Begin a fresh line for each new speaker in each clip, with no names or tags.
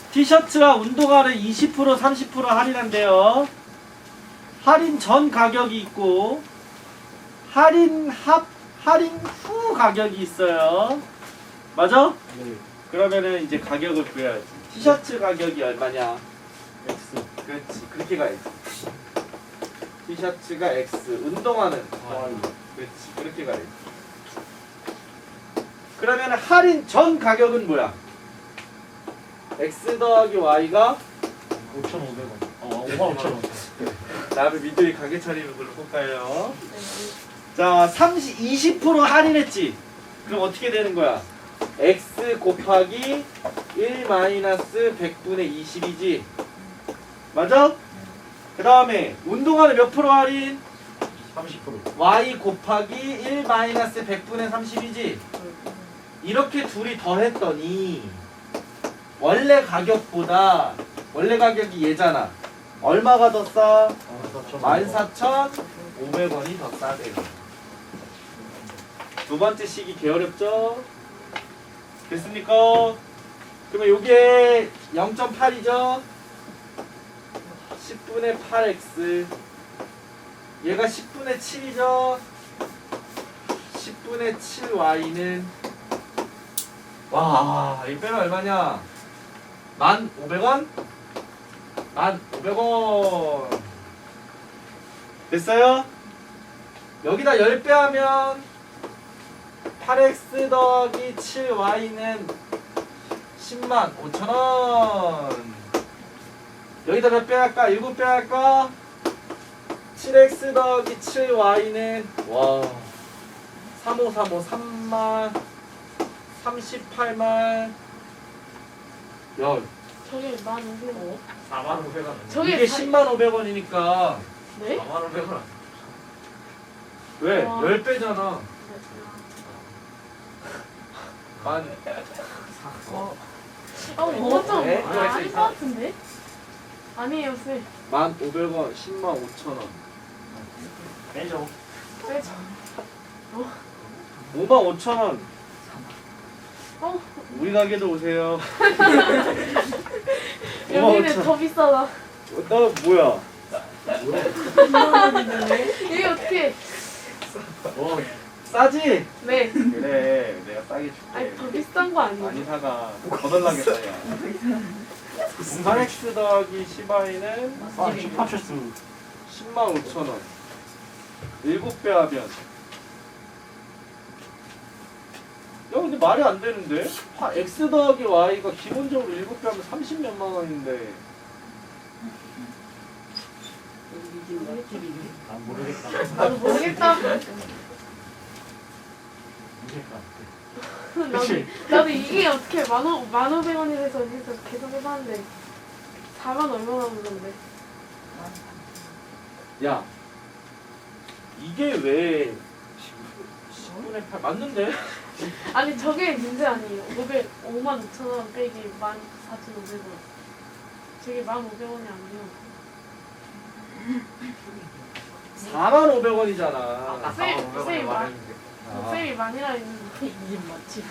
티셔츠와 운동화를 20% 30% 할인한대요. 할인 전 가격이 있고 할인 후 가격이 있어요. 맞아?
네.
그러면은 이제 가격을 구해야지. 티셔츠 가격이 얼마냐?
X.
그렇지, 그렇게 가야지. 티셔츠가 X, 운동화는
Y.
그렇지, 그렇게 가야지. 그러면 할인 전 가격은 뭐야? X 더하기 Y가
5,500원. 55,000원.
다음에 민들이 가게 차리는 걸로 볼까요? 자, 20% 할인했지? 그럼 어떻게 되는 거야? X 곱하기 1 마이너스 100분의 20이지? 맞아? 그 다음에 운동화는 몇 프로 할인?
30%.
Y 곱하기 1 마이너스 100분의 30이지? 이렇게 둘이 더했더니 원래 가격보다 원래 가격이 얘잖아. 얼마가 더 싸? 14,500원이 더 싸대요. 두 번째 식이 개어렵죠? 됐습니까? 그러면 요게 0.8이죠? 10분의 8x 얘가 10분의 7이죠? 10분의 7y는 와, 이 빼면 얼마냐? 1,500원? 1,500원. 됐어요? 여기다 10배 하면 8x 더하기 7y는 105,000원. 여기다 몇 배 할까? 7배 할까? 7x 더하기 7y는 와 3535 3만 38만 야
저게 15,000원.
45,500원.
저게
이게
다-
105,000원이니까
네?
45,500원.
왜?
와.
10배잖아. 만
이거 좀
네?
아닌 것 같은데? 아니에요, 쌤.
1,500원 105,000원
빼죠.
빼죠.
55,000원
어,
우리 가게도 오세요.
여기는
55,000원.
더 비싸다.
너 뭐야?
이게 어떻게?
싸지?
네.
그래 내가 싸게
아니,
줄게.
더 비싼 거 아니에요?
많이 사가. 거덜나겠다 야. 8x 더하기 10y는
아, 힙합쇼스.
105,000원 7배 하면 야 근데 말이 안 되는데? x 더하기 y가 기본적으로 7배 하면 30몇만 원인데
아, 모르겠다.
나도 모르겠다.
모르겠다.
나도 이게 어떻게 15,000원이 돼서 계속 해봤는데 4만 얼마나 오는데?
야 이게 왜 10분의 8 맞는데?
아니 저게 문제 아니에요. 55,000원 빼기 14,500원. 저게 15,000원이 아니에요.
45,500원이잖아.
아까
쌤,
45,500원에
쌤,
말했는데.
쌤이 많이라 했는데 이게 맞지?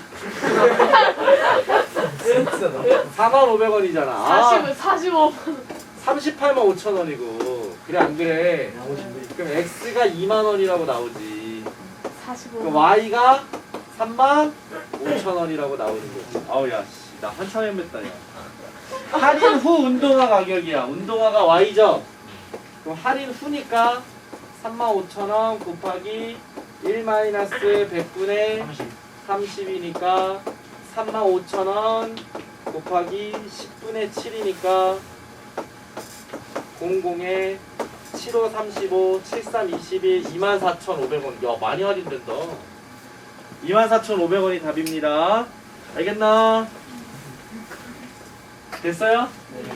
45,500원이잖아.
45만
38만5천원이고 그래 안 그래?
나오신데.
그럼 x가 2만 원이라고 나오지.
45만
그럼 y가 35,000원이라고 나오는 거지. 아우 야 씨, 나 한참 헤맸다 야. 할인 후 운동화 가격이야. 운동화가 y죠. 그럼 할인 후니까 35,000원 곱하기 1 마이너스 100분의 30이니까 35,000원 곱하기 10분의 7이니까 00에 75 35 73 21 24,500원. 야 많이 할인된다. 24,500원이 답입니다. 알겠나? 됐어요?
네.